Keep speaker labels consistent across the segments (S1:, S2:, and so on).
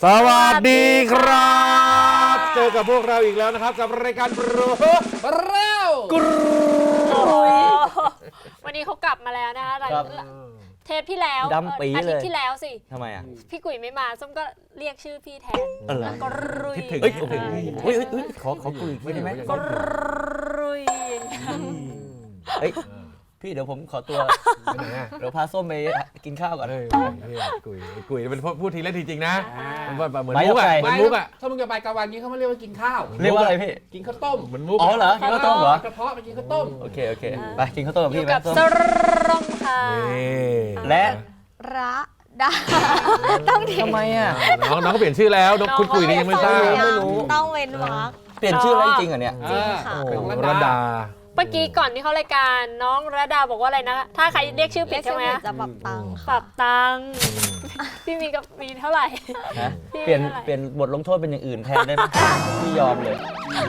S1: สวัสดีครับเจอกับพวกเราอีกแล้วนะครับกับรายการโปรเร็วกรู
S2: วันนี้เขากลับมาแล้วนะคะเทปที่แล้ว
S3: ดำปี
S2: อา
S3: เล
S2: ทิต
S3: ย
S2: ย์ที่แล้วสิ
S3: ทำไมอ่ะ
S2: พี่กุ๋ยไม่มาส้มก็เรียกชื่อพี่แทน
S3: อะไร
S2: ก็รุย
S1: คิดถึง
S3: เฮ้ยโอ้โหเฮ้ยขอคุยอีกทีได้ไหม
S2: ก็รุย
S3: เฮ้ยพี่เดี๋ยวผมขอตัว
S1: ไปไหนอ่ะ
S3: เดี๋ยวพาส้มไปกินข้าวก่อน
S1: เฮ้ยกุยเป็นพูดทีเล่นทีจริงนะมันแบบเหมือน
S3: ไป
S1: มุกอ่ะ
S3: ไป
S1: เหมือนมุกอ่ะ
S4: ถ้ามึงจะไปกลางวันนี้เขาไม่เรียกว่ากินข้าว
S3: เรียกว่าอะไรพี่
S4: กินข้าวต้ม
S1: เหมือนมุก
S3: อ๋อเหรอกินข้าวต้มเหรอ
S4: กระเพาะไปกินข้าวต้ม
S3: โอเคไปกินข้าวต้มกับ
S2: อ
S3: พี่
S2: ยู่
S3: ไหม
S2: กับ
S3: ส้ม
S2: สรมค่ะ
S1: นี่
S3: และ
S5: ระดาต้องเท
S3: ทำไมอ่ะ
S1: น้องเขาเปลี่ยนชื่อแล้วคุณกุยนี่ยังไม่ทราบ
S3: ไม่รู้
S5: ต้องเว้นวรรค
S3: เปลี่ยนชื่อแล้วจริงๆเหรอเนี่ย
S5: จริงค่ะ
S1: เป็น
S4: ของ
S1: ระดา
S2: เมื่อกี้ก่อนที่เขารายการน้องระดาบอกว่าอะไรนะ ถ้าใครเรียกชื่อผิดใช่ไหม
S5: จะปรับตังค์
S2: ป
S5: ค่ะ
S2: รับตังค์พี่มีกับมีเท่าไหร่
S3: ฮะ
S2: พี่
S3: เปลี่ยน
S2: อะไร
S3: เปลี่ยนบทลงโทษเป็นอย่างอื่นแทนได้ไหมพี่ยอมเลย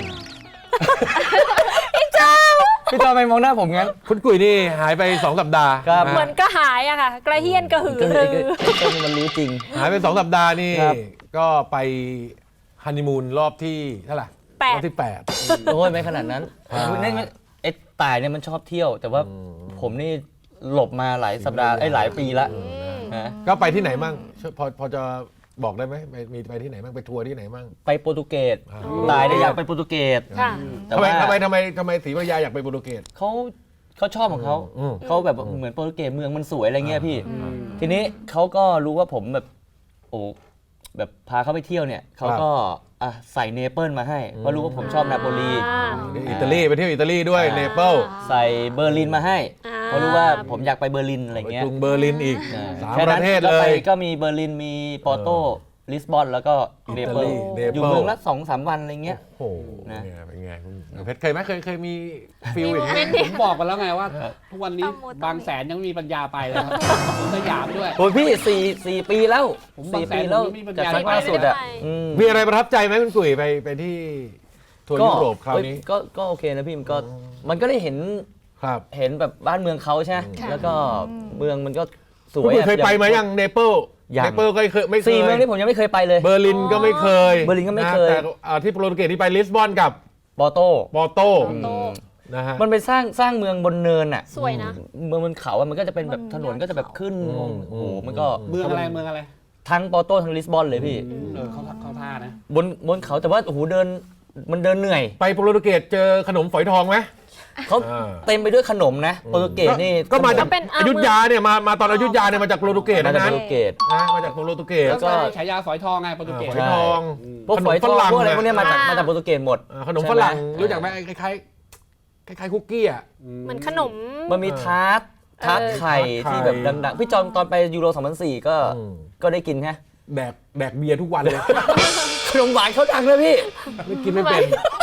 S3: พี่จอมไปมองหน้าผมงั้น
S1: คุณกุยนี่หายไป2 สัปดาห์
S3: ครับ
S1: นะ
S2: เหมือนก็หายอะค่ะ กระเฮียนกระหือ
S3: ก็
S2: รือ
S3: ต้นมันรู้จริง
S1: หายไป2 สัปดาห์นี่
S3: ครับ
S1: ก็ไปฮันนีมูนรอบที่เท่าไหร่
S2: แป
S1: ร
S2: ด
S1: อบที่
S3: โอ้ยไม่ขนาดนั้นไอ้ต่ายเนี่ยมันชอบเที่ยว แต่ว่าผมนี่หลบมาหลายสัปดาห์หลายปีละฮะ
S1: 8 ก็ไปที่ไหนมั่งพอจะบอกได้ไหมมีไปที่ไหนมั่งไปทัวร์ที่ไหนมั่ง
S3: ไปโปรตุเกสต่ายเนี่ยอยากไปโปรตุเกส
S2: ค่ะ
S3: แต่
S1: ทำไม
S3: ว่า
S1: ทำไมศรีภรรยาอยากไปโปรตุเกส
S3: เขาชอบของเขา
S1: อืม
S3: เขาแบบเหมือนโปรตุเกสเมืองมันสวยอะไรเงี้ยพี่ ทีนี้เขาก็รู้ว่าผมแบบโอ้แบบพาเขาไปเที่ยวเนี่ยเขาก็ใส่เนเปิลมาให้เพราะรู้ว่าผมชอบนาโปลี
S1: อิตาลีไปเที่ยวอิตาลีด้วยเนเปิล
S3: ใส่เบอร์ลินมาให้
S2: อ่า
S3: เพราะรู้ว่าผมอยากไปเบอร์ลินอะไร
S1: ไป
S3: เงี้ย
S1: กรุงเบอร์ลินอีก
S3: อ่า
S1: 3
S3: แค่
S1: ป
S3: นั้
S1: ระ
S3: น
S1: เทศ
S3: ก็
S1: เล
S3: ไป
S1: ย
S3: ก็มีเบอร์ลินมีปอร์โตลิสบอนแล้วก็เนเปิล
S1: เนเปิล
S3: อยู่เมืองละ2-3 วันอะไรเงี้ย
S1: โอ้โห
S3: นะ
S1: เป็นไงเพชรเคยไหมเคยมีฟิลอย่าง
S2: มี
S1: นี้
S4: ผมบอกกันแล้วไงว่า ทุกวันนี้บางแสนยังไม่มีปัญญาไปเลยครับผมสยามด้วย
S3: โอ้ยพี่สี่ปีแล้ว
S4: ผม
S3: สี่
S4: บางแสน
S3: ปีแล้ว
S4: ผมไม่มีปัญ
S3: จาก
S4: ญา
S3: ครั้งล่าสุดอ่ะอืม
S1: มีอะไรประทับใจไหมคุณกุ๋ยไปที่ทัวร์ยุโรปคราวนี้
S3: ก็โอเคนะพี่มันก็ได้เห็น
S1: ครับ
S3: แบบบ้านเมืองเขาใช่ไหมแล้วก็เมืองมันก็ส
S1: คุณ
S3: วย
S1: กุ๋ยเคยไปไหมยังเนเปิล
S3: ยัง
S1: เนเปิลก็เคยไม่เคย
S3: 4 เมืองนี่ผมยังไม่เคยไปเลย
S1: เบอร์ลินก็ไม่เคย
S3: เบอร์ลินก็ไม่เคย
S1: นะแต่ที่โปรตุเกสที่ไปลิสบอนกับ
S3: ปอร์โต
S1: ปอร์โต
S2: โต
S1: นะฮะ
S3: มันไปสร้างเมืองบนเนินอ่ะ
S2: สวยนะ
S3: เมืองบนเขาอะมันก็จะเป็นแบบถนนก็จะแบบขึ้นโอ้โหมันก็
S4: เมืองอะไร
S3: ทั้งปอร์โตทั้งลิสบอนเลยพี่
S4: เขาท่านะ
S3: บนเขาแต่ว่าโอ้โหมันเดินเหนื่อย
S1: ไปโปรตุเกสเจอขนมฝอยทองไหม
S3: เขา
S1: อ่า
S3: เต็มไปด้วยขนมนะโปรตุเกสนี่
S1: ก็มาจาก
S2: เป็น
S1: อยุธยาเนี่ยมาตอนอยุธยาเนี่ยมาจากโปรตุเกส
S3: มา
S1: นะ
S3: จาก
S1: นะ
S3: โปรตุเกส
S1: มาจากโปรตุเกส
S4: แล้วก็ฉายาฝอยทองไงโปรตุเกส
S1: ฝอยทอง
S3: พวกฝอยทองพวกอะไรพวกเนี้ยมาจากโปรตุเกสหมด
S1: ขนมฝรั่งรู้จักไหมคล้ายๆคุกกี้อ่ะ
S2: เหมือนขนม
S3: มันมีทาร์ตไข่
S1: ทาร์ตไข่
S3: ที่แบบดังๆพี่จอมตอนไปยูโร 2004 ก็ได้กินฮะ
S1: แดกเบียร์ทุกวันเลย
S3: ขนมหวานเขาดังเลยพี่
S1: ไม่กินไม่เป็น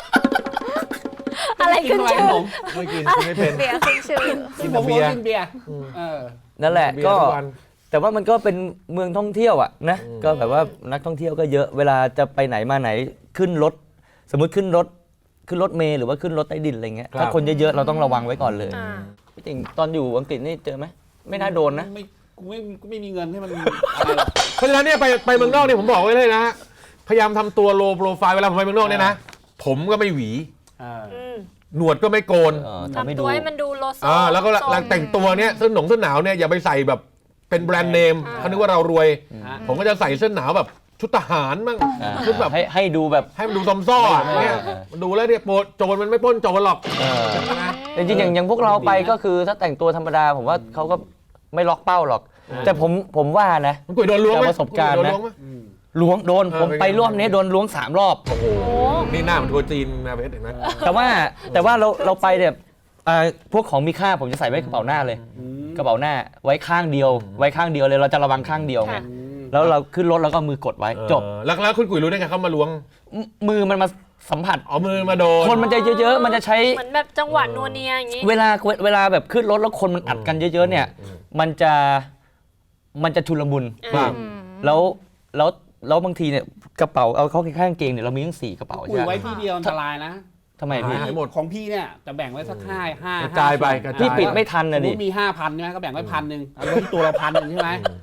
S2: อะไรขึ้นชื่อ
S1: ไม่กินไม่เป็น
S5: เบียร์ขึ้นชื่อ
S1: กิน
S4: ผ
S1: แต่
S4: ม
S1: เบียร์
S4: กินเบียร์เออ
S3: นั่นแหละ
S1: เบียร์
S3: ก็
S1: ทุกวัน
S3: แต่ว่ามันก็เป็นเมืองท่องเที่ยวอ่ะนะก็แบบว่านักท่องเที่ยวก็เยอะเวลาจะไปไหนมาไหนขึ้นรถ สมมุติขึ้นรถเมล์หรือว่าขึ้นรถใต้ดินอะไรเงี้ยถ้าคนเยอะๆเราต้องระวังไว้ก่อนเลย
S2: อ่า
S3: พี่ติ่งตอนอยู่อังกฤษนี่เจอไหมไม่น่าโดนนะ
S4: กูไม่มีเงินให้มันอะไรหรอก
S1: เพราะฉะนั้นเนี่ยไปเมืองนอกเนี่ยผมบอกไว้เลยนะฮะพยายามทำตัวโลโปรไฟล์เวลาผมไปเมืองนอกเนี่ยนะผมก็ไม่หวี
S2: อืม
S1: หนวดก็ไม่โกน
S3: ทำให้
S2: ทำ
S3: ดู
S2: ตัวให้มันดูโลโซ
S1: แล้วก็หลังแต่งตัวเนี่ยเสื้อหนาวเนี่ยอย่าไปใส่แบบเป็นแบรนด์เนมเขานึกว่าเรารวย ผมก็จะใส่เสื้อหนาวแบบชุดทหารมั่ง ชุดแบบ
S3: ให้ดูแบบ
S1: ให้มันดูซอมซ่ออะเนี่ยมันดูแล้วเนี่ยโจรมันไม่ปล้นโจรหรอก
S3: จริงๆอย่างพวกเราไปก็คือถ้าแต่งตัวธรรมดาผมว่าเขาก็ไม่ล็อกเป้าหรอก แต่ผมว่านะ
S1: มันกุยโดนล้วงไหม
S3: จากประสบการณ์นะ
S1: โดนล้วงไหม
S3: ล้วงโดนผม
S1: เป็นไง
S3: ไปรอบนี้โดนล้วง3 รอบ
S1: โอ้โหนี่หน้ามันทัวร์จีนนะเพชรเห็นไหม
S3: แต่ว่าเราไปเนี่ยพวกของมีค่าผมจะใส่ไว้กระเป๋าหน้าเลย กระเป๋าหน้าไว้ข้างเดียวเลยเราจะระวังข้างเดียวไง
S2: ค่ะ
S3: แล้วเราขึ้นรถแล้วก็มือกดไว้จบ
S1: แล้วคุณกุยรู้ได้ไงเขามาล้วง
S3: มือมันมาสัมผัส
S1: เอามือมาโดน
S3: คนมันจะเยอะๆ มันจะใช้
S2: เหมือนแบบจังหวะนัวเนียอย่างงี้
S3: เวลาแบบขึ้นรถแล้วคนมันอัดกันเยอะๆเนี่ยมันจะชุลมุน
S2: อ่า
S3: แล้วบางทีเนี่ยกระเป๋าเอาเข้าข้างกางเกงเนี่ยเรามีทั้ง4 กระเป๋า
S4: คุย
S3: ใช่ไหม
S4: ไว้ที่เดียวอันตรายนะ
S3: ทำไมพี่
S1: หายหมด
S4: ของพี่เนี่ยจะแบ่งไว้สักห้าก
S1: ระจายไปกระจาย
S3: พี่ปิดไม่ทัน
S4: สม
S3: นะ
S4: ม
S3: ดิ
S4: ติมี5,000ใช่ไหมก็แบ่งไว้1,000เอาไว้ที่ตัวเรา1,000ใช่ไหม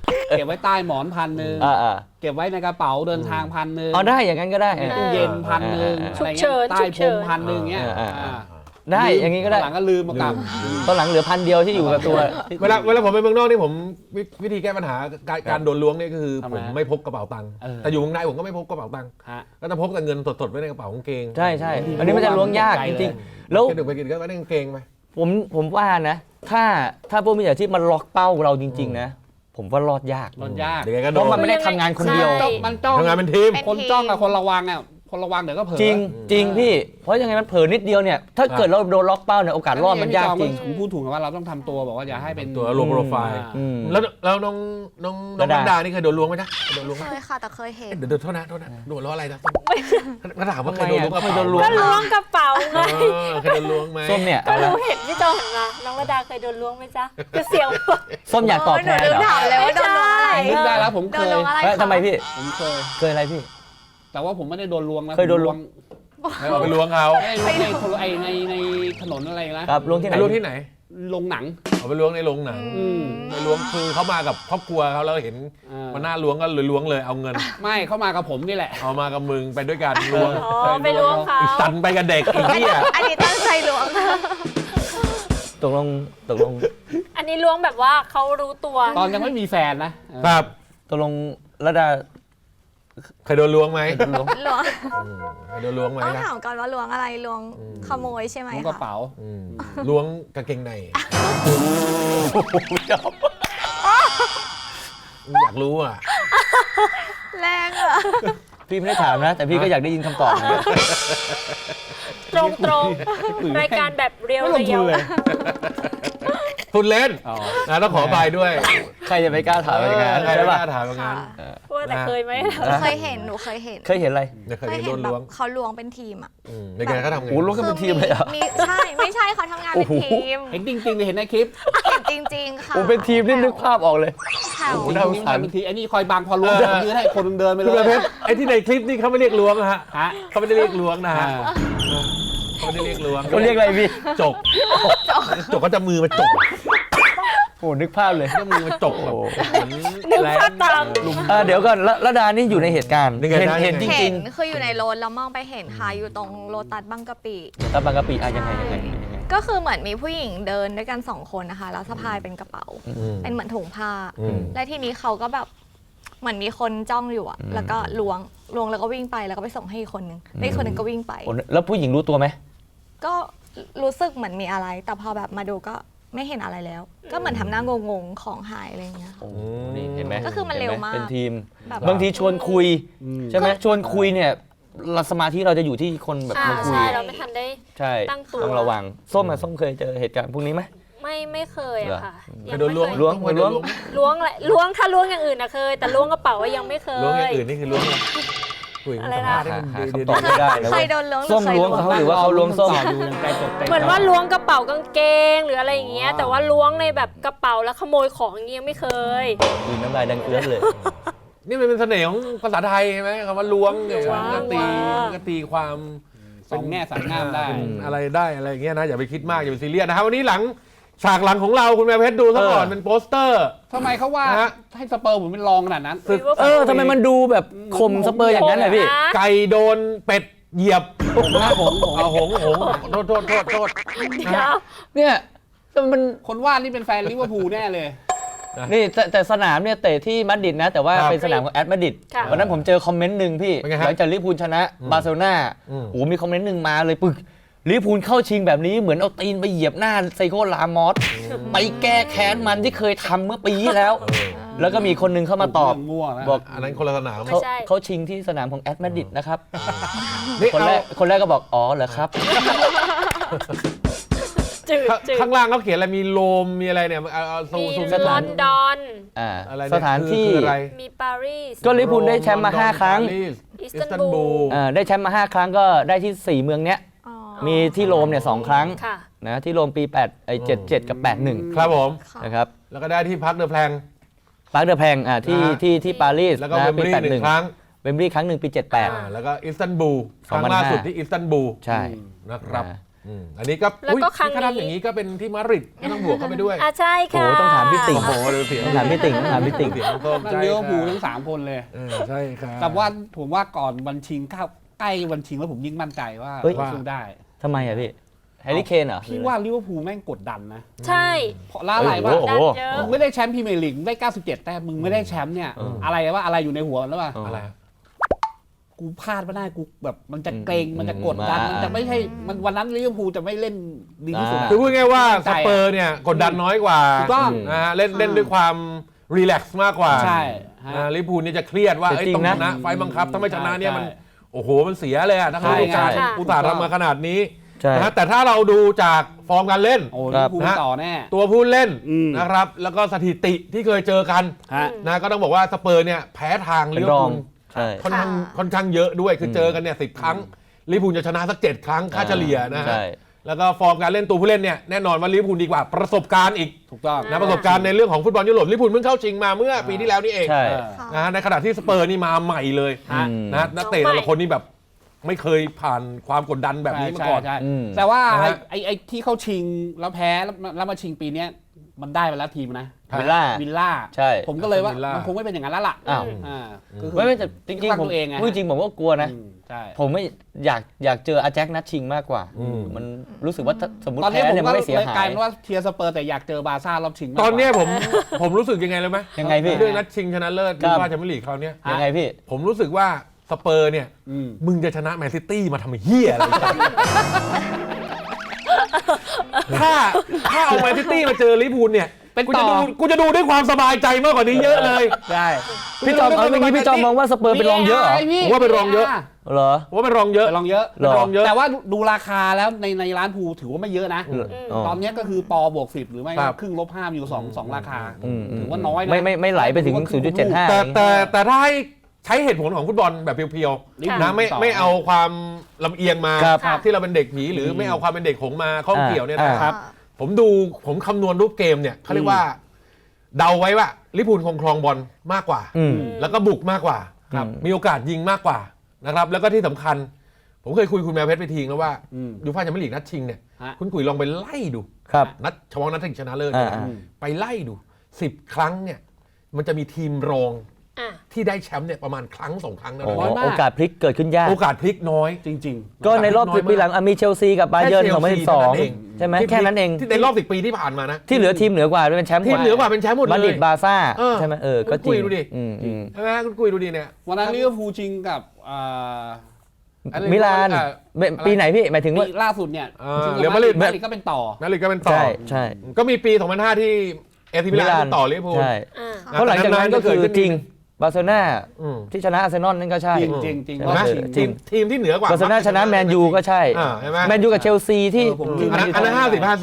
S4: เก็บไว้ใต้หมอน1,000
S3: อ่า
S4: เก็บไว้ในกระเป๋าเดินทาง1,000
S3: เอาได้อย่างนั้นก็ได้
S4: ในตู้เย็น1,000อะไรเงี้ยใต้พรม1,000เงี้ย
S3: ได้อย่างนี้ก็ได้
S4: หลังก็ลืมมากลับ
S3: ตอนหลังเหลือ1,000ที่อยู่กับตัว
S1: เวลาผมไปเมืองนอกนี่ผมวิธีแก้ปัญหาการโดนล้วงนี่ก็คือ
S4: ทำไม
S1: ผมไม่พกกระเป๋าตังค์
S4: เออ
S1: แต่อยู่เมืองในผมก็ไม่พกกระเป๋าตังค์
S4: ฮะ
S1: ก็จะพกแต่เงินสดๆไว้ในกระเป๋ากางเกง
S3: ใช่ใช่อันนี้มันจะล้วงยากจริงๆแล้ว
S1: แค่ดึกไปกินก็ไว้ในกางเกงไป
S3: ผมว่านะ ถ้าพวกมิจฉาชีพมันล็อกเป้าเราจริง ๆ นะ ผมว่ารอดยาก
S4: รถยาก
S1: เดี๋ยวไงก็
S3: เพ
S1: โดน
S3: ราะมันไม่ได้ทำงานคนเดียว
S2: ใช่
S4: มันจ้อง
S1: ทำงานเป็นทีม
S5: เป็น
S4: คนจ้องกับคนระวังอ่ะคนระวังเดี๋ยวก็เผลอ
S3: จริงจริงพี่ เพราะยังไงมันเผลอนิดเดียวเนี่ย ถ้าเกิดเราโดนล็อกเป้าเนี่ยโอกาสรอดมันยากจริง
S4: ผมพูดถูกนะว่าเราต้องทำตัวบอกว่าอย่าให้เป็น
S1: ตัวลงโปรไฟล์
S3: อืม
S1: แล้วน้อง
S3: ระดา
S1: ดานี่เคยโดนล้วงไหมจ๊ะโดนล้วงไหม
S5: เคยค่ะแต่เคยเห็น
S1: เดี๋ยวโทษนะโดนล้วงอะไรนะก็ถามว่าเคยโดนล้วงกระ
S3: ทำไม
S1: เป๋า
S3: โดนล้ว
S2: ก็ล้วงกระเป๋าไง
S1: เคยโดนล้วงไหม
S3: ส้มเนี่ย
S2: ก็
S3: เอาละ
S2: รู้เห็นพี่โจหันมาน้องระดาเคยโดนล้วงไหมจ๊ะก็เสียว
S3: ส้มอยากตอบแทน
S5: หนู
S3: เหรอ
S5: ถามเลยว่าโดนล้วงอะไร
S4: นึกได้แล้วผม
S5: โด
S4: เคน ย
S5: ล้วงอะไร
S3: เอ้ย
S5: คะ
S3: ทำไมพี่
S4: ผมเคย
S3: เคยอะไรพี่
S4: แต่ว่าผมไม่ได้โดนลวงนะ
S3: เคยโดนล้วง
S1: เอาไปล้วงเขา
S4: ในถนนอะไรนะครับ
S3: ล้วงที่ไหน
S1: ไปล้วงที่ไหน
S4: ลงหนัง
S1: เอาไปล้วงในโรงหนัง
S4: อืม
S1: ไปล้วงคือเขามากับครอบครัวเขาแล้วเห็น มันน่าล้วงก็เลยล้วงเลยเอาเงิน
S4: ไม่เข้ามากับผมนี่แหละ
S1: เอามากับมึงไปด้วยกันล้วง
S2: อ๋อไปล้วงเขา
S1: อีกสันไปกับเด็กอีกที่อ่ะ
S5: อันนี้ตั้งใจล้วง
S3: ตกลง
S2: อันนี้ล้วงแบบว่าเขารู้ตัว
S4: ตอนยังไม่มีแฟนนะครับ
S3: ตกลงระดา
S1: เคยโดนล้วงไหม
S3: โดนล้วง
S5: ล้วง
S1: เคยโดนล้วงไหม
S5: ต้อง
S1: นะ
S5: ถามก่อนว่าล้วงอะไรล้วงขโมยใช่ไหม
S4: ผมกระ
S5: คะ
S4: เป๋า
S1: ล้วงกางเกงในอยากรู้อ่ะ
S5: แรงอะ
S3: พี่ไม่ได้ถามนะ แต่พี่ก็อยากได้ยินคำตอบนะ
S2: ตรงๆรายการแบบเรียว
S4: ไม่ลง
S2: เรี
S4: ทุ
S2: ย
S4: น
S2: ว
S4: เลย
S1: พูดเล่น
S4: อ๋อ
S1: นะต้องขออภัยด้วย
S3: ใครจะไปกล้าถามอย่างนั้น
S1: ใคร
S3: ใช่
S1: ไม่
S3: ป่ะ
S1: กล้าถามอย่างนั้น
S2: ว่าแต่เคยไหม
S5: เคยเห็นหนูเคยเห็น
S3: เคยเห็นอะไร
S1: ไม่เคย
S5: เคย
S1: เห็น
S5: เห็
S1: โด
S5: น
S1: น
S5: แบ
S1: ล้ว
S5: บ
S1: ง
S5: เขาล้วงเป็นทีมอะ
S1: ในการเขาทำไง
S3: โอ้ล้วงกันเป็นทีมเลยเหรอ
S5: ใช่ไม่ใช่เขาทำงานเป็นทีม
S4: เห็นจริงๆเลยเห็นในคลิป
S5: เห็นจริงๆค่ะ
S3: โอ้เป็นทีมนี่นึกภาพออกเลย
S5: แถว
S3: โอ้น่าสงสาร
S4: บางทีไอ้นี่คอยบังพอล้วงผมยืนให้คนหนึงเดินไปเล
S1: คุณประ
S4: ย
S1: เพชรไอ้ที่ในคลิปนี่เขาไม่เรียกล้วงนะฮะ
S4: ฮะ
S1: เขาไม่ได้เรียกล้วงนะ
S4: อ่า
S1: ฮะเขาไม่ได้เรียกล้วง
S3: เขาเรียกอะไรพี่
S1: จกจกก็จะมือมาจก
S3: โอ้นึกภาพเลย
S1: จะมือมาจกแบบ
S2: นึกภาพตาม
S1: ลุม
S3: เดี๋ยวก่อนระดานี่อยู่ในเหตุการณ์
S1: นี่ไงได้
S3: เห็นจ
S5: เห็
S3: ริง
S5: นคืออยู่ในรถแล้วมองไปเห็นค่ะอยู่ตรงโลตัสบางกะปิ
S3: ๆตาบางกะปิยังไง
S5: ก็คือเหมือนมีผู้หญิงเดินด้วยกัน2 คนนะคะแล้วสะพายเป็นกระเป๋า เป็นเหมือนถุงผ้า และทีนี้เขาก็แบบเหมือนมีคนจ้องอยู่อะแล้วก็ล้วงแล้วก็วิ่งไปแล้วก็ไปส่งให้อีกคนนึงแล้วอีกคนนึงก็วิ่งไป
S3: โอ้แล้วผู้หญิงรู้ตัวไหม
S5: ก็รู้สึกเหมือนมีอะไร แต่พอแบบมาดูก็ไม่เห็นอะไรแล้ว ก็เหมือนทำหน้างงๆของหายอะไรอย่างเงี้ยค่ะ
S3: โอ้นี่เห็นไหม
S5: ก็คือมันเร็วมาก
S3: เป็นทีม
S5: แบบ
S3: บางทีชวนคุยใช่ไหมชวนคุยเนี่ยสมาธิเราจะอยู่ที่คนแบบมาคุย
S2: ใช่เราไม่ทันได้
S3: ใช่
S2: ตั้งตัว
S3: ต้องระวังส้มเคยเจอเหตุการณ์พวกนี้ไหม
S2: ไม่เคยอะค่ะ
S1: เคยโดนล้วง
S3: ล้วง
S1: เคยโดน
S2: ล้วงอะไรล้วงถ้าล้วงอย่างอื่นนะเคย แต่ล้วงกระเป๋าอะยังไม่เคย
S1: ล้วงอย่างอื่นนี่คือล้วงอะไรคุย
S2: อะไรนะ
S1: สัมภาษณ์ให้มัน
S3: หา
S1: ดี
S3: คำตอบไม่ได้นะ
S5: เค
S3: เว้
S5: ย
S3: ย
S5: โดนล้วง
S3: ส้มล้วงเขาหรือว่าเขาล้วงส้ม
S4: อยู่ยังใจตกใจ
S2: เหมือนว่าล้วงกระเป๋ากางเกงหรืออะไรอย่างเงี้ย แต่ว่าล้วงในแบบกระเป๋าแล้วขโมยของอย่างเงี้ยไม่เคย
S3: ดูน้ำลายดังเอื้อนเลย
S1: นี่มันเป็นเสน่ห์ของภาษาไทยใช่ไหมคำว่าล้วงเนี่ย
S2: ล้วง
S1: มันก็ตีความ
S4: สองแง่สามงามได้
S1: เป็นอะไรได้อะไรอย่างเงี้ยนะอย่าไปคิดมากอย่าไปซีเรียสนะครับวันนี้หลังฉากหลังของเราคุณแม่เพชรดูซะก่อนเป็นโปสเตอร์
S4: ทำไมเขาว่า
S1: ฮะ
S4: ให้สเปอร์ผมเป็นรองขนาดนั้น
S3: ทำไมมันดูแบบข่มสเปอร์อย่างนั้นเลยพี่
S1: ไก่โดนเป็ดเหยียบ
S4: ผมนะผม
S1: เอาหงโทษ
S2: เดี๋ยว
S3: เนี่ยแต่มัน
S4: คนวาดนี่เป็นแฟนลิเวอร์พูลแน่เลย
S3: นี่แต่สนามเนี่ยเตะที่มาดริดนะ แต่ว่า
S1: ครับ
S3: เป็นสนามของแอตมาดริด
S2: ค่ะ
S3: วันนั้นผมเจอคอมเมนต์หนึ่งพี่
S1: เป็นไงฮะ
S3: หลังจากลิเวอร์พูลชนะบาร์เซโลนา
S1: อืม
S3: โอ้โหมีคอมเมนต์หนึ่งมาเลยปึกลิเวอร์พูลเข้าชิงแบบนี้เหมือนเอาตีนไปเหยียบหน้าไซโคลามอสไปแก้แค้นมันที่เคยทำเมื่อปีที่แล้ว แล้วก็มีคนหนึงเข้ามาตอบ
S4: เรื่องมั่วแล้ว
S3: บอก
S1: อันนั้นคนละสนาม
S2: ไม่ใช่
S3: เขาชิงที่สนามของแอตมาดริดนะครับ
S1: นี่
S3: คน
S1: เอา
S3: แรกก็บอกอ๋อเหรอครับ
S2: จืดจืด
S1: ข้างล่างเขาเขียนอะไรมีโลมมีอะไรเนี่ยเอาซู
S2: มี
S1: ม
S2: ลอนดอน
S1: อะไร
S3: สถานที่
S1: คืออะไร
S2: มีปารีส
S3: ก็ลิเวอร์พูลได้แชมป์มา5ครั้ง
S2: อิสตันบูล
S3: ได้แชมป์มา5ครั้งก็ได้ที่ 4 เมืองเนี้ย
S5: อ๋อ
S3: มีที่โรมเนี่ย2ครั้ง
S2: ค่ะ
S3: นะที่โรมปี77 กับ 81
S1: ครับผม
S5: ค่ะ
S3: นะครับ
S1: แล้วก็ได้ที่พักเดอะแพลง
S3: ปาร์คเดอแพงที่ปารีส
S1: แล้วก็
S3: นะ
S1: เวม
S3: ปี
S1: บลีย์หนึ่งครั้ง
S3: เวมบลีย์ครั้งหนึ่งปี 78
S1: แล้วก็อิสตันบูลครั้ง
S3: 2005
S1: ล่าสุดที่อิสตันบูล
S3: ใช่
S1: นะครับ
S3: นะ
S1: อันนี้ก็
S2: แล้วก็ครั้งนี้
S1: ถ้าทำอย่างนี้ก็เป็นที่มาดริดไม่ต้องบวกเข้าไปด้วย
S2: ใช่ค่ะ
S3: โอ้ต้องถามพี่ติ่ง
S1: โอ้โหดูเสียง
S3: ต้องถามพี่ติ่งต้องถามพี่ติ่ง
S1: เสียงน้องส้ม
S4: นั่น
S1: ใช่
S4: เลี้ยวภูล
S1: ครับ
S4: ทั้ง3คนเลย
S1: ใช่ครับ
S4: แต่ว่าผมว่าก่อนวันชิงใกล้วันชิงแล้วผมยิ่งมั่นใจว่า
S3: เฮ้ย
S4: สู้ได้
S3: ทำไมอะพี่แฮร์รี่เคนเหรอ
S4: พี่ว่าลิเวอร์พูลแม่งกดดันนะ
S2: ใช่
S4: เพราะอะไรวะ
S3: โอ้โห
S2: ดันเยอะ
S4: มึงไม่ได้แชมป์พรีเมียร์ลีกได้97แต้มมึงไม่ได้แชมป์เนี่ยอะไรวะอะไรอยู่ในหัวแล้ววะ
S1: อะไร
S4: กูพลาดไม่ได้กูแบบมันจะเกรงมันจะกดดัน
S3: อืม
S4: มันจะไม่ใช่มันวันนั้นลิเวอร์พูลจะไม่เล่นดีที่สุดอะ
S1: คือพูดง่ายๆว่า
S4: ใจ
S1: ส
S4: อะ
S1: เปอร์เนี่ยกดดันน้อยกว่า
S4: ถูกต้อง
S1: นะฮะเล่นด้วยความรีแลกซ์มากกว่า
S4: ใช่ฮะ
S1: ลิเวอร์พูลนี่จะเครียดว่า
S3: แต่
S1: เอ้ย
S3: จริง
S1: ต้อง
S3: นะ
S1: ชนะไฟล์บังคับถ้าไม่ชนะเนี่ยมัน
S4: ใช่
S1: โอ้โหมันเสียเลยอะทั้ง
S4: ใช่
S1: ฤดูกาล
S2: ใช่
S1: อุตส่าห์ทำมาขนาดนี้
S3: ใช่
S1: นะฮะแต่ถ้าเราดูจากฟอร์มการเล่น
S4: โอ้
S3: ค
S4: ลิ
S3: รั
S4: เว
S3: บ
S4: อร์พูล
S1: นะ
S4: ต่อแน่
S1: ตัวผู้เล่น
S4: อืม
S1: นะครับแล้วก็สถิติที่เคยเจอกัน
S4: ฮะ
S1: นะก็ต้องบอกว่าสเปอร์เนี่ยแพ้ทาง
S3: เป็
S1: ลิ
S3: น
S1: เวอ
S3: ร
S1: ร์
S3: อง
S1: พูล
S3: ใช่
S1: ค่อนข้างเยอะด้วยคือเจอกันเนี่ย10 ครั้งลิเวอร์พูลจะชนะสัก 7 ครั้งค่าเฉลี่ยนะฮะ
S3: ใช่
S1: แล้วก็ฟอร์มการเล่นตัวผู้เล่นเนี่ยแน่นอนว่าลิเวอร์พูลดีกว่าประสบการณ์อีก
S4: ถูกต้อง
S1: นะประสบการณ์ในเรื่องของฟุตบอลยุโรปลิเวอร์พูลเพิ่งเข้าชิงมาเมื่อปีที่แล้วนี่เอง
S3: ใช่
S4: เออ
S1: นะฮะในขณะที่สเปอร์นี่มาใหม่เลย
S4: ฮะ
S1: นะนักเตะแต่ละคนนี่แบบไม่เคยผ่านความกดดันแบบนี้มาก่อน
S4: ใช่
S3: อืม
S4: แต่ว่า
S1: นะฮะ
S4: ไอ้ที่เข้าชิงแล้วแพ้แล้วมาชิงปีเนี้ยมันได้ไปแล้วทีมนะ
S3: วิลล่า
S4: วิลล่า
S3: ใช่
S4: ผมก็เลยว่า
S1: วิลล่ามั
S4: มันคงไม่เป็นอย่างนั้นแล้วล่ะ
S3: อ้าว
S4: อ่าก็คือ
S3: ไม่แต่จริงๆผม
S4: ตัวเองไง
S3: พูดจริงผมก็กลัวนะ
S4: อืมใช่
S3: ผมไม่อยากเจออาแจ็คนัดชิงมากกว่า มันรู้สึกว่าถ้าสมมติ
S4: ตอนนี้
S3: แพ้
S4: ผม
S3: เนี่ย
S4: ก็
S3: มันไม่เสีย
S4: เลย
S3: หาก
S4: ลาย ยเป็นว่าเทียร์สเปอร์แต่อยากเจอบาร์ซ่ารอบชิงมากก
S1: ต
S4: ว่า
S1: อนเนี้ยผมรู้สึกยังไงเลยไหม
S3: ยังไงพี่
S1: เรื่องนัดชิงชนะเลิศ
S3: ครั
S1: ยู
S3: บ
S1: ฟ่าแชมเปี้ยนลีกคราวเนี้ย
S3: ยังไงพี่
S1: ผมรู้สึกว่าสเปอร์เนี่ย
S4: อืม
S1: มึงจะชนะแมนซิตี้มาทำเฮียอะไรกันถ้าเอาแมนซิตี้มาเจอลิเวอร์พูลเนี่ย
S4: เป็น
S1: กู
S4: ต่
S1: จะ
S4: อ
S1: ดูกูจะดูด้วยความสบายใจมากกว่านี้เยอะเลย
S4: ใช่
S3: พี่จอมเอาอย่างนี้พี่จอมมองว่าสเปอร์เป็นรองเยอะเหรอ
S1: ผมว่าเป็นรองเยอะ
S3: เหรอ
S1: ผมว่าเป็นรองเยอะ
S4: เป็นรองเยอะ
S3: หรอ
S1: เป็นรองเยอะ
S4: แต่ว่าดูราคาแล้วในร้านภูถือว่าไม่เยอะนะ
S3: อ๋อ
S4: ตอนเนี้ยก็คือปอบวก10หรือไม่
S1: ครับ
S4: ครึ่งลบ5อยู่สองราคา
S3: อืม
S4: ถือว่าน้อยนะ
S3: ไม่ไหลไปถึง 0.75
S1: แต่ถ้าให้ใช้เหตุผลของฟุตบอลแบบเพียว
S4: ลิเวอร์
S1: ๆ
S4: พูล
S1: นะไม่
S4: ต่อ
S1: ไม่เอาความลำเอียงมา
S3: ครับ
S1: ที่เราเป็นเด็กผีหรือไม่เอาความเป็นเด็กหงมาข้องเกี่ยวเนี่ยนะ
S3: อ่า
S1: ผมคำนวณรูปเกมเนี่ยเขาเรียกว่าเดาไว้ว่าลิเวอร์พูลคงครองบอลมากกว่า
S3: อืม
S1: แล้วก็บุกมากกว่า
S3: ครับ
S1: มีโอกาสยิงมากกว่านะครับแล้วก็ที่สำคัญ ผมเคยคุยคุณแมวเพชรไปทีแล้วว่า
S4: อืม
S1: ยูฟ่าแชมเปี้ยนลีกนัดชิงเนี่ย
S4: ฮะ
S1: คุณกุ๋ยลองไปไล่ดู
S3: ครับ
S1: นัดเฉพาะนัดชิงชนะเลิศเนี่ยนะ
S3: อ่า
S1: ไปไล่ดู10 ครั้งเนี่ยมันจะมีทีมรอง
S2: อ่ะ
S1: ที่ได้แชมป์เนี่ยประมาณครั้ง 2 ครั้งนะ
S3: โอ้
S4: น้อยมาก
S3: โอกาสพลิกเกิดขึ้นยาก
S1: โอกาสพลิกน้อย
S4: จริง
S3: ก็ในรอบ10 ปีหลังมีเชลซีกับบาเยิร์น
S1: แค่ Chelsea เท่านั้นเอง
S3: 2012 ใช่ไหมแค่นั้นเอง
S1: ที่ในรอบ10 ปีที่ผ่านมานะ
S3: ที่เหลือทีมเหนือกว่าด้วยเป็นแชมป์
S1: ทีมเหนือกว่าเป็นแชมป์หมดเลย
S3: มาดริดบาร์ซ่า
S1: เออ
S3: ใช่ไหมก็จริ
S1: คุ
S3: ง
S1: ยดูดิ
S3: อืม
S1: ใช่ไหมคุณกุยดูดิเนี่ย
S4: ๆ วันนั้นลิเวอร์พูลชิงกับ
S1: อะไร
S3: มิลาน
S1: อะไร
S3: ปีไหนพี่หมายถึงว่า
S4: ปีล่าสุดเนี่ย
S1: เรอัลมาดริด
S4: มาดริดก็เป็นต่อ
S1: นาริก็เป็นต่อ
S3: ใช่ใช่
S1: ก็มีปี 2005 ที่เอซิมิลานต่อลิเวอร์พูล
S3: ใช่
S2: อ่ะ
S3: เพราะหลังจากนั้นก็คือจริงบาร์เซโลนา
S1: อืม
S3: ที่ชนะอาร์เซนอลนั่นก็ใช่
S4: จริงๆจริง
S3: ใช่
S1: เห็นไหม
S3: เออ
S1: ทีมที่เหนือกว่า
S3: บาร์เซโลนาชนะแมนยูก็ใช่
S1: เห็นไหม
S3: แมนยูกับเชลซีที่
S4: ผม
S1: อันนั้น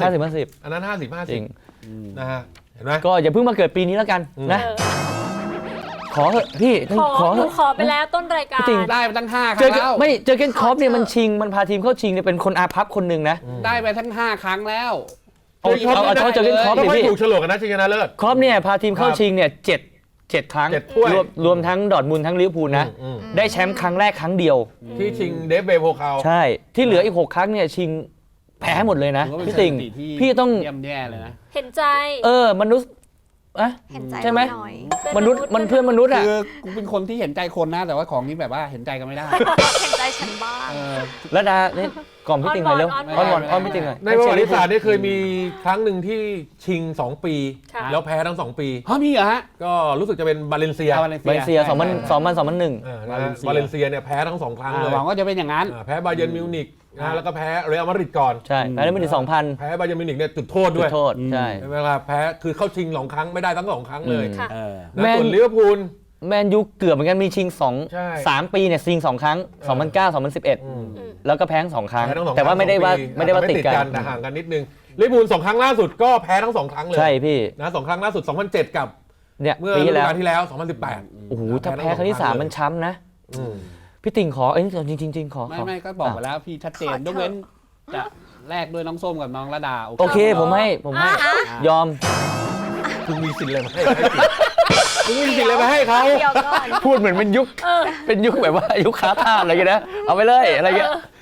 S3: 50
S1: อันนั้น50
S3: จริง
S1: นะฮะเห็นไหม
S3: ก็อย่าเพิ่งมาเกิดปีนี้แล้วกันนะ
S2: เออ
S3: ขอเถอะพี่ต้องขอ
S2: ห
S3: เถ
S2: นู
S3: อะ
S2: ขอไปแล้วต้นรายการ
S3: จริง
S4: ได้ไปตั้ง5ค
S3: เจ
S4: รั้
S3: อง
S4: แล้ว
S3: ไม่เจอเกนคอปเนี่ยมันชิงมันพาทีมเข้าชิงเนี่ยเป็นคนอาภัพคนหนึ่งนะ
S4: ได้ไปทั้ง5ครั้งแล้ว
S3: เอาเฉพาะเจอเกนคอป
S1: ก็
S3: ดิ
S1: ไม่
S3: พี่
S1: ถูกโฉลกกันนะชิงชนะเลิศ
S3: คอปเนี่ยพาทีมเข้าชิงเนี่ย7 ครั้ง
S1: 7 ถ้วย
S3: รวมทั้งดอร์ทมุนด์ทั้งลิเวอร์พูลนะ
S1: อืม
S3: ได้แชมป์ครั้งแรกครั้งเดียว
S1: ที่ชิงเดฟเบโพคาว
S3: ใช่ ที่เหลืออีก 6 ครั้งเนี่ยชิงแพ้หมดเลยนะ
S4: ถือว่าเป็น
S3: พี่ติ่ง
S4: สถิติที่
S3: พี่ต้อง
S4: เยี่ยมแย่เลยนะ
S2: เห็นใจ
S3: มนุษย์อะ
S5: เห็นใจ
S3: ใช่ไหม
S5: หน่อย
S3: มนุษย์มันเพื่อนมนุษย์อ่ะ
S4: คือกูเป็นคนที่เห็นใจคนนะ แต่ว่าของนี้แบบว่าเห็นใจกันไม่ได้
S5: เห็นใจฉันบ้าง
S4: เออ
S3: ระดาเนี่ยกล่อมพี่ติ่งหน่อยเร็ว
S2: อ้อนวอน
S3: อ้อนพี่ติ่งหน่อย
S1: ในประวัติศาสตร์เนี่ยเคยมีครั้งหนึ่งที่ชิง 2 ปี
S2: ค่ะ
S1: แล้วแพ้ทั้ง 2 ปี
S4: ฮะมีเหรอฮะ
S1: ก็รู้สึกจะเป็นบาเลนเซีย
S4: อา
S3: บาเลนเซีย2001
S1: บาเลนเซียเนี่ยแพ้ทั้ง 2 ครั้งเลย
S4: หวังว่าจะเป็นอย่างนั้น
S1: แพ้บาเยิร์นมิวนิกนะแล้วก็แพ้เรอัลมาดริดก่อน
S3: ใช่แพ้ได้ไม่ถึง 2,000
S1: แพ้บาเยิร์นมิวนิกเนี่ยจุดโทษ
S3: จุ
S1: ด้
S3: ด
S1: วย
S3: โทษใช่
S1: ใช่ไหมครับแพ้คือเข้าชิง2 ครั้งไม่ได้ทั้ง 2 ครั้งเลย
S2: ค่ะ
S4: เออ
S1: นะ
S3: แมน
S1: ส่วนลิเวอร์พูล
S3: แมนยูเกือบเหมือนกันมีชิง
S1: ใช่
S3: 3 ปีเนี่ยชิง 2 ครั้ง 2009 2011 แล้วก็แพ้ทั้ง 2 ครั้ง
S1: แพ้ทั้ง2
S3: แต่ว่าไม่ได้ว่า
S1: ปี
S3: ไม่ได้ว่าติดกัน
S1: แต่ห่างกันนิดนึงลิเวอร์พูล2 ครั้งล่าสุดก็แพ้ทั้ง 2 ครั้งเลย
S3: ใช่พี่
S1: นะ2 ครั้งล่าสุด 2007 กับ
S3: เนี่ย
S1: เมื่อ
S3: ปี
S1: ฤ
S3: ที่
S1: ดู
S3: แล้ว
S1: กาลที่แล้ว 2018
S3: โอ้โหถ้าแพ้ครั้งที่ 3 มันช้ำนะ
S1: อืม
S3: พี่ติ่งขอจริงขอ
S4: ไม่ก็บอกไปแล้วพี่ชัดเจนยกเว้นจะแลกด้วยน้องส้มกับน้องระดา
S3: โอเคผมให้ยอม
S1: คุณมีสิทธิ์อะไรมาให้คุณมีสิทธิ์อะไรมาให้เขา
S5: เดี๋ยวก่อน
S3: พูดเหมือนเป็นยุคแบบว่ายุคค้าทาสอะไรกันนะเอาไปเลยอะไรเงี้ย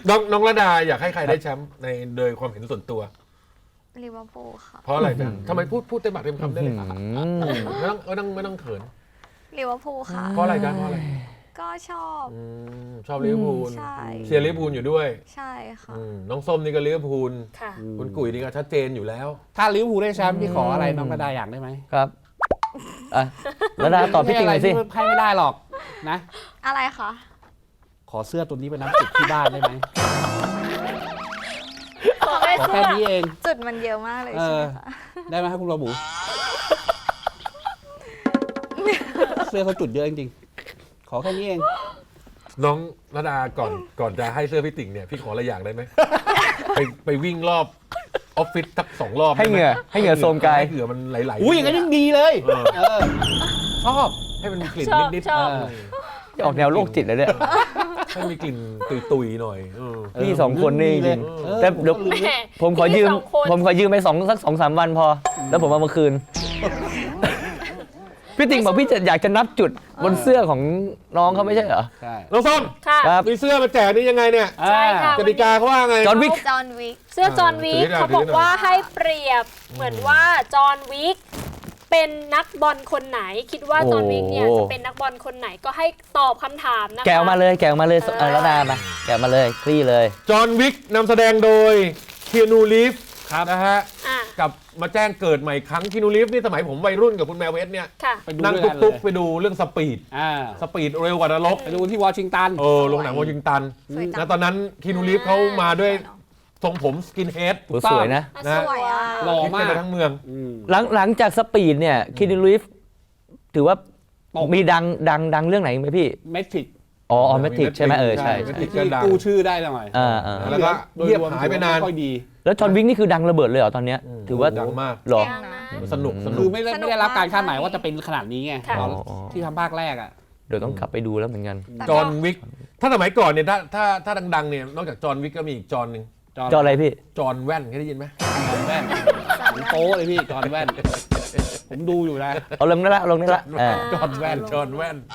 S1: น้องระดาอยากให้ใครได้แชมป์ในโดยความเห็นส่วนตัว
S5: ลิเวอร์พูลค่ะ
S1: เพราะอะไรจ๊ะทำไมพูดเต็มปากเต็มคำได้เลยครับ
S3: อืม
S1: ไม่ต้องเขิน
S5: ลิเวอร์พูลค่ะ
S1: เพราะอะไรจ๊ะเพราะอะไร
S5: ก็ชอบ
S1: ชอบลิเวอร์พูล
S5: ใช่
S1: เชียร์ลิเวอร์พูลอยู่ด้วย
S5: ใช่ค่ะ
S1: น้องส้มนี่ก็ลิเวอร์พูล
S2: ค่ะ
S1: คุณกุ๋ยนี่ก็ชัดเจนอยู่แล้ว
S4: ถ้าลิเวอร์พูลได้แชมป์พี่ขออะไรน้องกระดาอยากได้ไหม
S3: ครับอ่ะแล้วดาตอบพี่ติ่งหน่อยสิ
S4: ให้ไม่ได้หรอกนะ
S5: อะไรคะ
S4: ขอเสื้อตัวนี้ไปน้ำติดที่บ้านได้ไหม
S2: ขอได้
S4: ขอ
S2: เสื้
S4: แค่
S2: อ
S4: นี้เอง
S5: จุดมันเยอะมากเลยใช่ไหมคะ
S4: ได้ไหมครับคุณระบุเสื้อเขาจุดเยอะจริงๆขอแค่นี้เอง
S1: น้องระดาก่อนจะให้เสื้อพี่ติ่งเนี่ยพี่ขออะไรอย่างได้ไหม ไปวิ่งรอบออฟฟิศสัก2 รอบ
S3: ให้เหงื่อโทรมกาย
S1: ให้เหงื่อมันไหลๆ
S4: อุ้ยอย่างนั้นยิ่งดีเลยชอบ
S1: ให้มันมีกลิ่น
S2: ชอบ
S1: นิด
S2: ชอบ
S3: ออกแนวโรคจิตเลยเนี่ย
S1: ๆให้มีกลิ่นตุยๆหน่อย
S3: พี่สองคนนี่จริง
S4: เออ
S3: แต่เดี๋ยว
S2: แหม
S3: ผมขอยืม
S2: พี่สองคน
S3: ผมขอยืมไปสัก 2-3 วันพอ แล้วผมเอามาคืน พี่ติ่งบอกพี่จะอยากจะนับจุดบนเสื้อของน้องเขาไม่ใช่เหรอ
S4: ใช่
S1: น้องส้ม
S2: ค่ะ
S3: ครับ
S1: มีเสื้อมาแจกนี่ยังไงเนี่ย
S2: ใช่ค่ะ
S1: กติกาเขาว่าไง
S3: จอห์นวิก
S5: จอห์นวิก
S2: เสื้อจอห์นวิก
S1: ถือหน่อย
S2: เขาบอก
S1: ถือหน่อย
S2: ว่าให้เปรียบเหมือนว่าจอห์นวิกเป็นนักบอลคนไหน คิดว่าจอห์นวิกเนี่ยจะเป็นนักบอลคนไหนก็ให้ตอบคำถามนะคะ
S3: แกะออกมาเลยแล้วดามาแกะมาเลยคลี่เลย
S1: จอห์นวิกนำแสดงโดยเคียนูรีฟ
S4: ครับ
S1: นะฮะ
S2: อ่ะ
S1: กับมาแจ้งเกิดใหม่ครั้งเคียนูรีฟนี่สมัยผมวัยรุ่นกับคุณแมวเวสเนี่ย
S2: ค่ะ
S4: ไปดู
S1: นั่ง
S4: ด้วยกันเล
S1: ตุ๊ก
S4: ย
S1: ๆไปดูเรื่องสปีด
S4: ส
S1: เร็วกว่านรก
S4: ไปดูที่วอชิงตัน
S1: โรงหนังวอชิงตัน
S5: สวยจัง
S1: นะตอนนั้นคีนูรีฟเขามาด้วยทรงผมสกินเฮด
S3: โหสวยนะ
S1: นะ
S5: สวยอ่ะ
S4: หล่อ
S1: คิด
S4: มา
S1: กัน
S4: ก
S1: ไปทั้งเมือง
S3: หลังจากสปีดเนี่ยคินลิฟถือว่า
S4: ตก
S3: มีดังเรื่องไหนไหมพี่
S4: เมทริก
S3: อ๋อเมทริกใช่ไหมใช่
S1: เมท
S3: ใช่
S1: ริก
S4: ที่กู้ชื่อได้หน่อย
S1: แล้วก็เงียบหายไปนาน
S4: ม่ค่อยดี
S3: แล้วจอห์นวิกนี่คือดังระเบิดเลยเหรอตอนเนี้ยถือว่า
S1: ดังมาก
S3: หรอ
S5: ดังนะ
S1: สนุก
S4: คือไม่ได้รับการคาดหมายว่าจะเป็นขนาดนี้ไง
S2: ค่ะ
S4: ตอน
S3: อ๋อ
S4: ที่ทำภาคแรกอ่ะ
S3: เดี๋ยวต้องกลับไปดูแล้วเหมือนกัน
S1: จอห์นวิกถ้าสมัยก่อนเนี่ยถ้าดังๆเนี่ยนอกจากจอห์นวิกก็มีอีกจอห์นหนึ่ง
S3: จออะไรพี่
S1: จอห์นแว่นเคยได้ยินไหม
S4: จอห์นแว่นผมโป๊เลยพี่จอห์นแว่น ผมดูอยู่นะ
S3: เอาลงได้ละ
S1: จอห์นแว่นจอห์นแว่น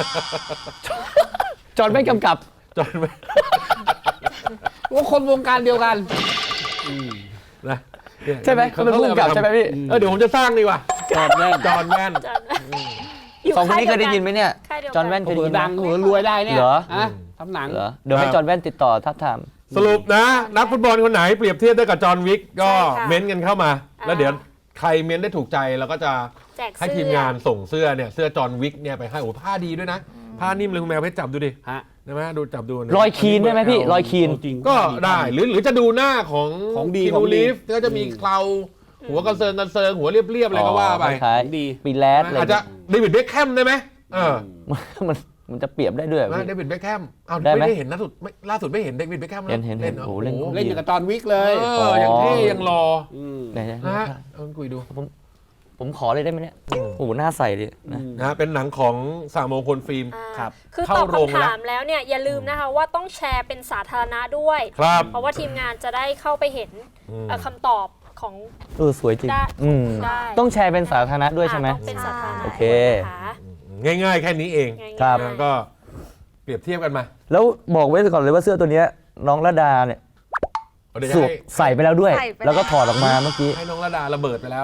S3: จอห์นไม่กำกับ
S1: จอห์นแว่น
S4: ว่าคนวงการเดียวกัน
S1: นะ
S3: ใช่ไหมเขาเป็นผู้กำกับใช่ไหมพี่
S1: เดี๋ยวผมจะสร้างดีกว่า
S4: จอห์นแว่น
S1: จอห์นแว่น
S2: จอห์นอยู่
S3: สองคนนี้เคยได้ยินไหมเนี่ย
S2: ค่ายเดียวกั
S3: จอห์นแว่นเคยได้
S4: เผื่อ
S3: ยินไหม
S4: ดังเผื่อรวยได้เนี่ย
S3: เหรอ
S4: อะทำหนัง
S3: เหรอเดี๋ยวให้จอห์นแว่นติดต่อทับทาม
S1: สรุปนะ นักฟุตบอลคนไหนเปรียบเทียบได้กับจอห์นวิกก็เม้นต์กันเข้ามา แล้วเดี๋ยวใครเม้นต์ได้ถูกใจเราก็จะ
S2: แจก
S1: ให้
S2: เสื้อ
S1: ทีมงานส่งเสื้อเนี่ยเสื้อจอห์นวิกเนี่ยไปให้โอ้ผ้าดีด้วยนะ ผ้านิ่มเลยคุณแมวเพชรจับดูดิ
S4: ฮะ
S1: ได้ไหมดูจับดูนะ
S3: รอยคีนได้ไหมพี่รอยคีน
S4: จริง
S1: ก็ได้หรือจะดูหน้าของ
S4: ของดี
S1: คิ
S4: ของ
S1: นู
S4: ดี
S1: รีฟก็จะมีเคราหัวกระเซิงหัวเรียบๆอะไรก็ว่าไป
S3: คล้าย
S4: ดี
S3: ปีแรดอะไร
S1: อาจจะเดวิดเบคแฮมได้ไหม
S3: มันจะเปรียบได้ด้วย
S1: เดวิดเบคแฮมอ้าว
S3: ได้ไหม
S1: ไม่ได้เห็นล่าสุดไม่เห็นเดวิดเบคแฮม
S3: เห็น
S1: เล่นเหรอ
S3: โอ้โหเล่น
S1: โอ้โห
S4: เล่นอยู่กับจอห์นวิกเลย
S1: ยังเท่ยังรอ
S3: ไหน
S1: นะฮะเอาคุยดู
S3: ผมขอเลยได้ไหมเนี่ยโอ้โหหน้าใสดินะ
S1: นะฮะเป็นหนังของสามมงคลฟิล์ม
S2: อ่า
S4: ครับ
S2: คือ
S1: เข้า
S2: ตอบ
S1: โรง
S2: คำถามแล้วเนี่ยอย่าลืมนะคะว่าต้องแชร์เป็นสาธารณะด้วย
S1: ครับ
S2: เพราะว่าทีมงานจะได้เข้าไปเห็นคำตอบของ
S3: สวยจริง
S2: ได้ ได้
S3: ต้องแชร์เป็นสาธารณะด้วยใช่ไหม
S2: ต้องเป็นสาธารณะ
S3: โอเค
S2: นะคะ
S1: ง่ายๆแค่นี้เอง
S2: ง่ายๆ
S3: ครับ
S1: นะก็เปรียบเทียบกันมา
S3: แล้วบอกไว้ก่อนเลยว่าเสื้อตัวเนี้ยน้องระดาเนี่ย
S1: เดี๋ยว
S3: สวม
S1: ให้
S3: ใส่ไปแล้วด้วย
S5: ใส่ไปแล้ว
S3: แล้วก็ถอดออกมาเมื่อกี้
S1: ให้น้องระดาระเบิดไปแล้ว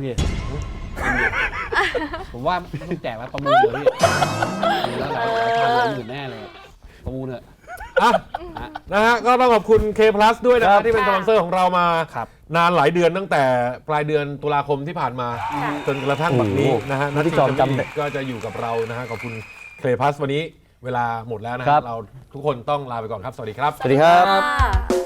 S4: ผมว่าไม่ต้องแจกแล้วประมูลเลยพี่ดูแล้วหลายพันเลยอยู่แน่เลยประมูลเถอะ
S1: อ่ะนะฮะก็ต้องขอบคุณ K Plus ด้วยนะ
S3: ครั
S1: ฮะ
S3: บ
S1: ที่เป็นสปอนเซอร์ของเรามา
S4: ครับ
S1: นานหลายเดือนตั้งแต่ปลายเดือนตุลาคมที่ผ่านมา
S2: ค่ะ
S1: จนกระทั่งบัดนี้
S3: โอ้โห
S1: นะฮะ
S3: พี่จอมจำได้
S1: ก็จะอยู่กับเรานะฮะขอบคุณ K Plus วันนี้เวลาหมดแล้วนะ
S3: ครั
S1: ฮะ
S3: บ
S1: เราทุกคนต้องลาไปก่อนครับ สวัสดีครับ
S3: สวัสดีครับ
S2: ค่ะ